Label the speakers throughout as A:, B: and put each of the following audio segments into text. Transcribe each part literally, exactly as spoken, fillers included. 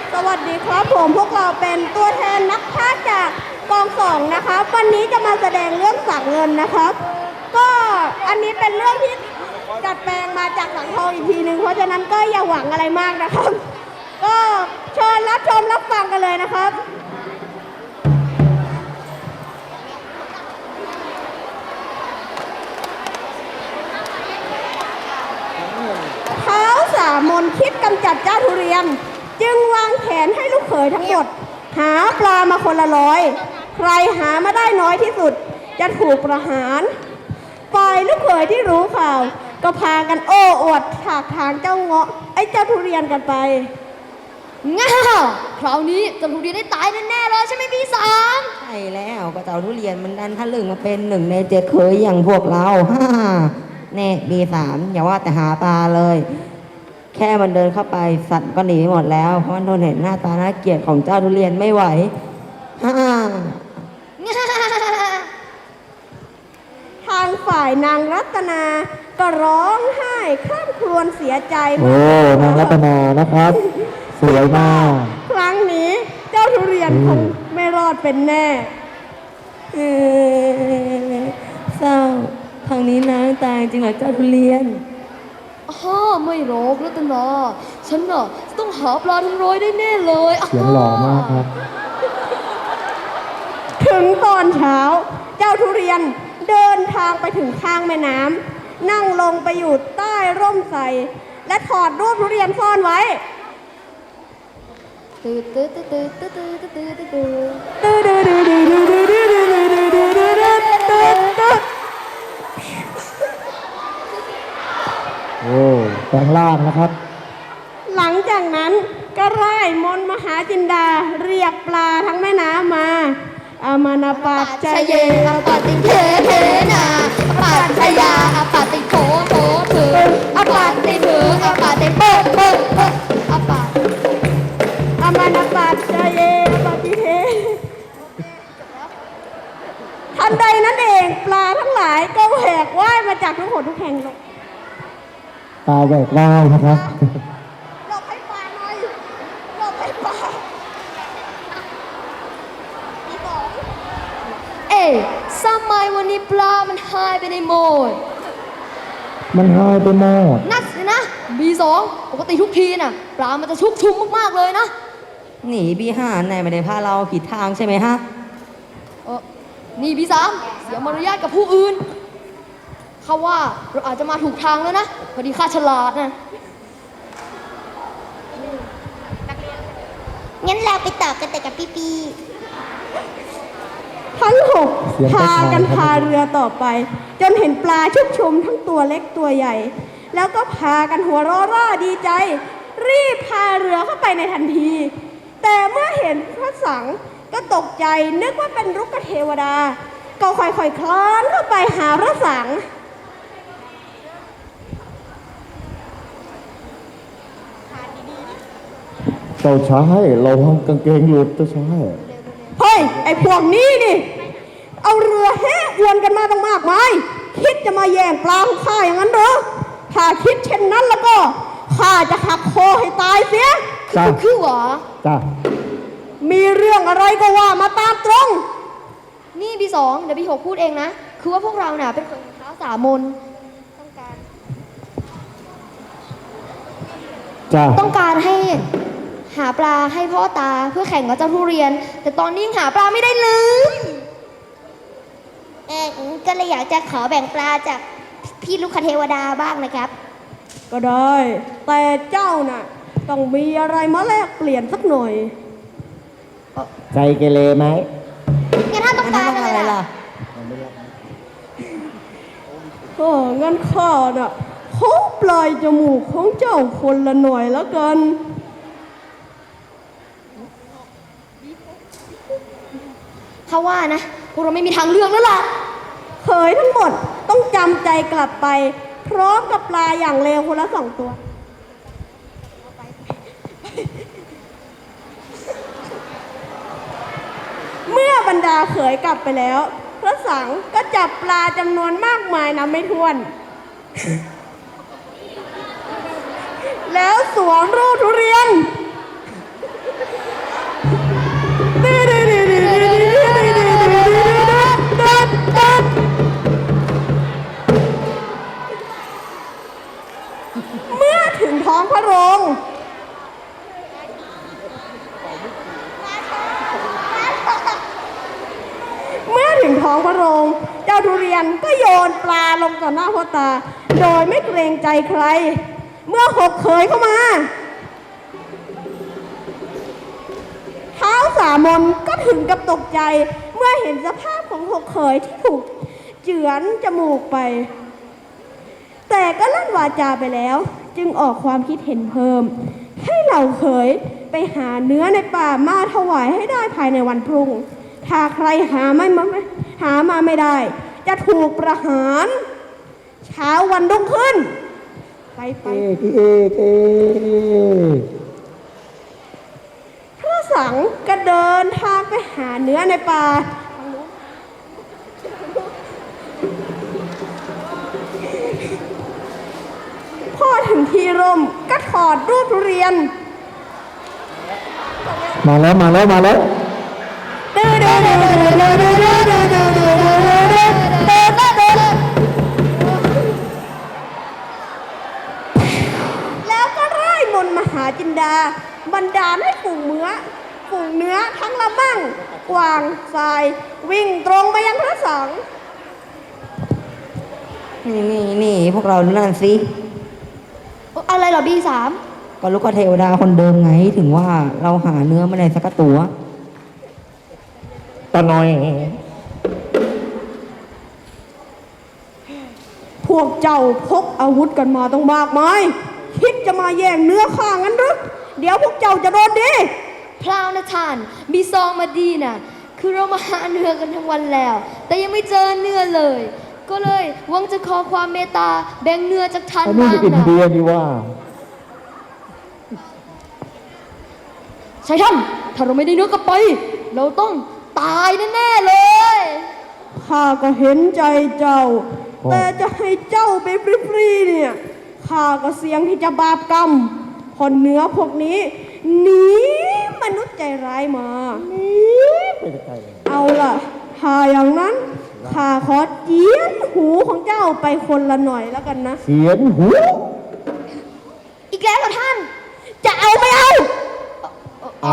A: สวัสดีครับผมพวกเราเป็นตัวแทนนักพากย์จากกองสองนะครับวันนี้จะมาแสดงเรื่องสังเงินนะครับก็อันนี้เป็นเรื่องที่ดัดแปลงมาจากสังทองอีกทีหนึ่งเพราะฉะนั้นก็อย่าหวังอะไรมากนะครับก็เชิญรับชมรับฟังกันเลยนะครับเท้าสามนคิดกำจัดเจ้าทุเรียนจึงวางแผนให้ลูกเขยทั้งหมดหาปลามาคนละร้อยใครหามาได้น้อยที่สุดจะถูกประหารฝ่ายลูกเขยที่รู้ข่าวก็พากันโอ้อวดถากทางเจ้าเงาะไอ้เจ้าทุเรียนกันไป
B: ง่าคราวนี้เจ้าทุเรียนได้ตายแน่ๆเลยใช่ไหมพี่สาม
C: ใช่แล้วก็เจ้าทุเรียนมันดันทะลึ่งมาเป็นหนึ่งในเจ็ดเขยอย่างพวกเราฮ่าแน่บีสามอย่าว่าแต่หาปลาเลยแค่มันเดินเข้าไปสัตว์ก็หนีหมดแล้วเพราะมันทนเห็นหน้าตาน่าเกลียดของเจ้าทุเรียนไม่ไหวฮ่า
A: ทางฝ่ายนางรัตนาก็ร้องไห้คร่ำครวญเสียใจ
D: โอ้นางรัตนานะครับสวยมาก
A: ครั้งนี้เจ้าทุเรียนคงไม่รอดเป็นแน่
C: เศร้าครั้งนี้นางตายจริงเหรอเจ้าทุเรียน
B: ฮ่าไม่หรอกรัตนาฉันน่ะต้องหาปลาทั้งร้อยได้แน่เลย
D: เสียงหล่อมากครับ
A: ถึงตอนเช้าเจ้าทุเรียนเดินทางไปถึงข้างแม่น้ำนั่งลงไปอยู่ใต้ร่มไทรและถอดรูปทุเรียนซ่อนไว้
B: ตื้อตื้อตื้อตื้อตื้อตื้อตื้อตื้อ
A: ตื้อ
D: โอ้แปลงร่างนะครับ
A: หลังจากนั้นก็ไล่มนต์มหาจินดาเรียกปลาทั้งแม่น้ำมาอามานาปัจจเยอปฏิเทเทนาปัจจยาอปฏิโถโถเถออปฏิเถออปฏิเปิดเปิดเปิดอปะอามานาปัจจเยอปฏิเททันใดนั้นเองปลาทั้งหลายก็แหวกว่ายมาจากทุกหนทุกแห่ง
D: ปลาแหวกว่ายนะครับ
A: หลบให้ปลาหน่อยหลบให้ปลา
B: เอ๊ะทำไมวันนี้ปลามันหายไปในหมด
D: มันหายไปหมด
B: นั่นสินะบีสองปกติทุกทีน่ะปลามันจะชุกชุมมากๆเลยนะ
C: หนีบีห้านายไม่ได้พาเราผิดทางใช่ไหมฮะ
B: เออนี่บีสามเสียมารยาทกับผู้อื่นข้าว่าเราอาจจะมาถูกทางแล้วนะพอดีข้าฉลาดนะ
E: งั้นเราไปต่อกันแต่กับพี่ปี
A: ทั้งหกพากันพาเรือต่อไปจนเห็นปลาชุกชุมทั้งตัวเล็กตัวใหญ่แล้วก็พากันหัวเราะร่าดีใจรีบพาเรือเข้าไปในทันทีแต่เมื่อเห็นพระสังก็ตกใจนึกว่าเป็นรุกขเทวดาก็ค่อยๆคลานเข้าไปหาพระสัง
D: เจ้าชายเราทำกางเกงหลุดเจ้าชาย
A: เฮ้ยไอ้พวกนี้นี่เอาเรือแห่อวนกันมาตั้งมากมายคิดจะมาแย่งปลาของข้าอย่างนั้นเหรอถ้าคิดเช่นนั้นแล้วก็ข้าจะหักคอให้ตายเสีย
B: คือคือหวะ
D: จ้า
A: มีเรื่องอะไรก็ว่ามาตามตรง
B: นี่บีสองเดี๋ยวบีหกพูดเองนะคือว่าพวกเราเนี่ยเป็นคนเท้าสามนต้องการ
D: จ้า
B: ต้องการให้หาปลาให้พ่อตาเพื่อแข่งกับเจ้าทุเรียนแต่ตอนนี้หาปลาไม่ได้เลย
E: เออก็เลยอยากจะขอแบ่งปลาจากพี่ลูกคเทวดาบ้างนะครับ
A: ก็ได้แต่เจ้าน่ะต้องมีอะไรมาแลกเปลี่ยนสักหน่อย
D: ใจเกเรไหม
E: งั้นถ้าต้องการอะไรล่ะ
A: ก็งั้นข้าน่ะขอปลายจมูกของเจ้าคนละหน่อยแล้วกัน
B: ถ้าว่านะพวกเราไม่มีทางเลือกแล้วล่ะ
A: เขยทั้งหมดต้องจำใจกลับไปพร้อมกับปลาอย่างเลวคนละสองตัวเมื่อบรรดาเขยกลับไปแล้วพระสังก็จับปลาจำนวนมากมายนับไม่ถ้วน แล้วสวมรูปทุเรียนพระโรงเจ้าทุเรียนก็โยนปลาลงต่อหน้าพ่อตา โดยไม่เกรงใจใคร เมื่อหกเขยเข้ามาเท้าสามนก็ถึงกับตกใจเมื่อเห็นสภาพของหกเขยที่ถูกเจือนจมูกไป แต่ก็ลั่นวาจาไปแล้วจึงออกความคิดเห็นเพิ่ม ให้เหล่าเขยไปหาเนื้อในป่ามาถวายให้ได้ภายในวันพรุ่ง ถ้าใครหาไม่มาไม่หามาไม่ได้ จะถูกประหาร เช้าวันรุ่งขึ้น ไปไป
D: เอ๊ะพี่เอกเอ๊ะ
A: พระสังก็เดินทางไปหาเนื้อในป่า พอถึงที่ร่มก็ถอดรูปทุเรียน
D: มาแล้วมาแล้วมาแล้ว
A: แล้วก็ไล่มนต์มหาจินดาบันดาลให้ฝูงเนื้อฝูงเนื้อทั้งละมั่งกวางทราย วิ่งตรงไปยังพระสัง
C: นี่นี่นี่พวกเรานั่นสิ
B: อะไรเหรอบีสาม
C: ก็ลูกเทวดาคนเดิมไงถึงว่าเราหาเนื้อไม่ได้สักตัว
D: ตาหน่อย
A: พวกเจ้าพกอาวุธกันมาต้องมากมายคิดจะมาแย่งเนื้อข้างั้นหรือเดี๋ยวพวกเจ้าจะโดนดี
B: พลาวนะท่านมีซองมาดีน่ะ คือเรามาหาเนื้อกันทั้งวันแล้ว แต่ยังไม่เจอเนื้อเลย ก็เลยหวังจะขอความเมตตาแบ่งเนื้อจากท่าน
D: อันนี้
B: บ้าง
D: อิน
B: นะ
D: เดียนี่ว่า
B: ใช่ท่านถ้าเราไม่ได้เนื้อกลับไป เราต้องตายแน่ๆเลย
A: ข้าก็เห็นใจเจ้า
D: โอ้
A: แต่จะให้เจ้าไปฟรีๆเนี่ยข้าก็เสี่ยงที่จะบาปกรรมเพอเนื้อพวกนี้หนีมนุษย์ใจร้ายมา
D: ไม่ได้ใจเลย
A: เอาล่ะถ้าอย่างนั้นข้าขอเจียนหูของเจ้าไปคนละหน่อยแล้วกันนะ
D: เสียนหู
B: อีกแล้วเหรอท่าน
A: จะเอาไม่เอา
D: เอา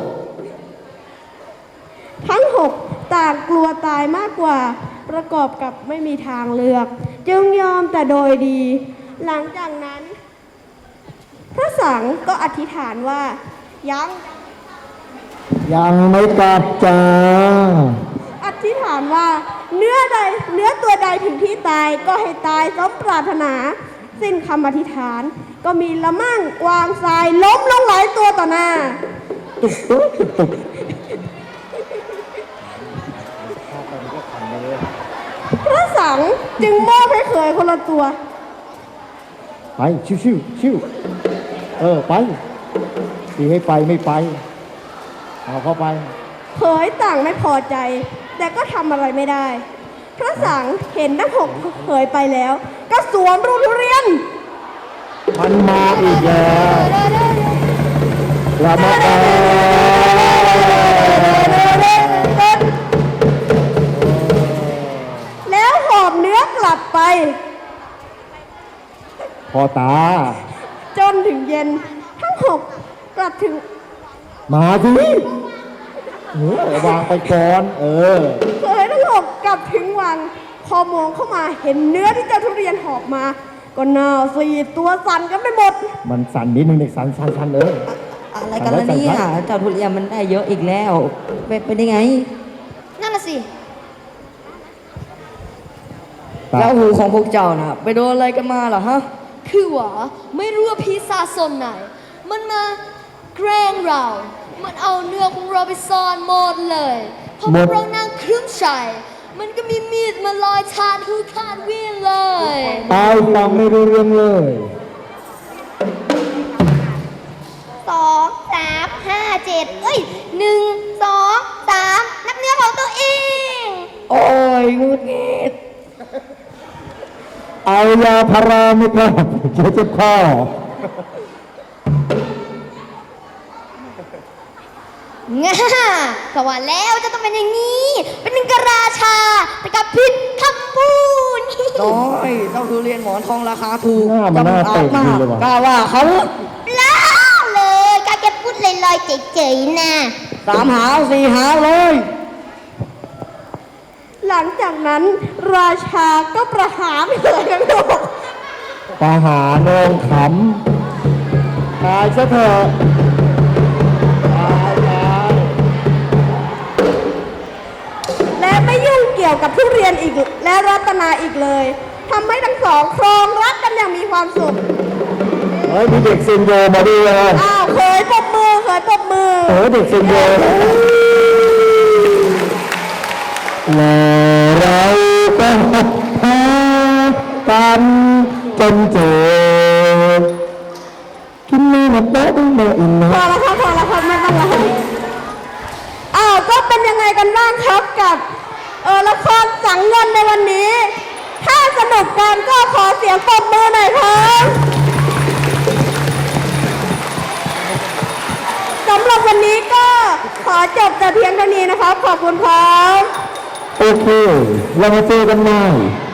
A: ทั้งหกต่างกลัวตายมากกว่า ประกอบกับไม่มีทางเลือก จึงยอมแต่โดยดี หลังจากนั้น พระสังฆ์ก็อธิษฐานว่า ยัง
D: ยังไม่กลับจ้า
A: อธิษฐานว่า เนื้อใดเนื้อตัวใดถึงที่ตายก็ให้ตายสมปรารถนา สิ้นคำอธิษฐาน ก็มีละมั่งกวางทรายล้มลงหลายตัวต่อหน้า
D: ตุ๊กตุ๊กตุ๊กตุ๊ก
A: พระสังฆ์จึงมอบให้เขยคนละตัว
D: ไปชิวชิวชิวเออไปที่ให้ไปไม่ไปเอาเข้าไป
A: เขยต่างไม่พอใจ แต่ก็ทำอะไรไม่ได้ พระสังฆ์เห็นทั้งหกเขยไปแล้ว ก็สวมรูปทุเรียน
D: มันมาอีกแล้วละมาแอ
A: แล้วหอบเนื้อกลับไป
D: พ่อตา
A: จนถึงเย็น ทั้งหกกลับถึง
D: มาสิเออวางไปก่อน เออ
A: เขยทั้งหกกลับถึงวัง พอมองเข้ามาเห็นเนื้อที่เจ้าทุเรียนหอบมา ก็หน่าสีดตัวสั่นกันไปหมด
D: มันสั่นนิดนึงเด็กสั่นสั่นสั่นเออ
C: อะไรกันล่ะเนี่ยเจ้าทุเรียนมันได้เยอะอีกแล้วเป็นไปได้ไง
B: นั่นน่ะสิ
D: ตา
C: แล้วหูของพวกเจ้าน่ะ ไปโดนอะไรกันมาเหรอฮะ
B: คือว่าไม่รู้ว่าพีซาซนไหน มันมาแกล้งเรา มันเอาเนื้อของเราไปซ่อนหมดเลยพอพวกเรานั่งครึ่งชัยมันก็มีมีดมาลอยชาดหูขาดวิ่งเลย
D: ตายฟังไม่รู้เรื่องเลย
E: สองสามห้าเจ็ดเอ้ยหนึ่งสองสามนับเนื้อของตัวเอง
C: โอ้ยงุดงิด
D: เอายาพาราไหมครับเจ็บเจ็บคอ
E: ง่าก็ว่าแล้วจะต้องเป็นอย่างนี้ เป็นหนึ่งกบราชา แต่กับผิดคำพูด
C: น้อยเจ้าทุเรียนหมอนทองราคาถูก
D: หน้ามันน่าเตะ
C: มา
D: ดีเลยว่ะ
C: กล้าว่าเขา
E: ล้าเลยการแกพูดลอยๆเฉยๆนะ
C: สามหาวสี่หาวเลย
A: หหลังจากนั้นราชาก็ประหารเลยทั้งหมด
D: ประหารนองขำตายซะเถอะตายตาย
A: และไม่ยุ่งเกี่ยวกับทุเรียนอีกและรัตนาอีกเลยทำให้ทั้งสองครองรักกันอย่างมีความสุข
D: เฮ้ยมีเด็กเซนโยมาด้วยนะ
A: อ้าวเคยปรบมือเคยปรบมือ
D: โอ้เด็กเซนโยและเราก็หากันจนเจอกินไม่หมดแล้วต้องเดิน
A: พอแล้วครับพอแล้วครับไม่ต้องแล้วอ้าวก็เป็นยังไงกันบ้างครับกับเออละครสังเงินในวันนี้ ถ้าสนุกกันก็ขอเสียงปรบมือหน่อยครับสำหรับวันนี้ก็ขอจบแต่เพียงเท่านี้นะครับ ขอบคุณครับ
D: โอเค เรามาเจอกันใหม่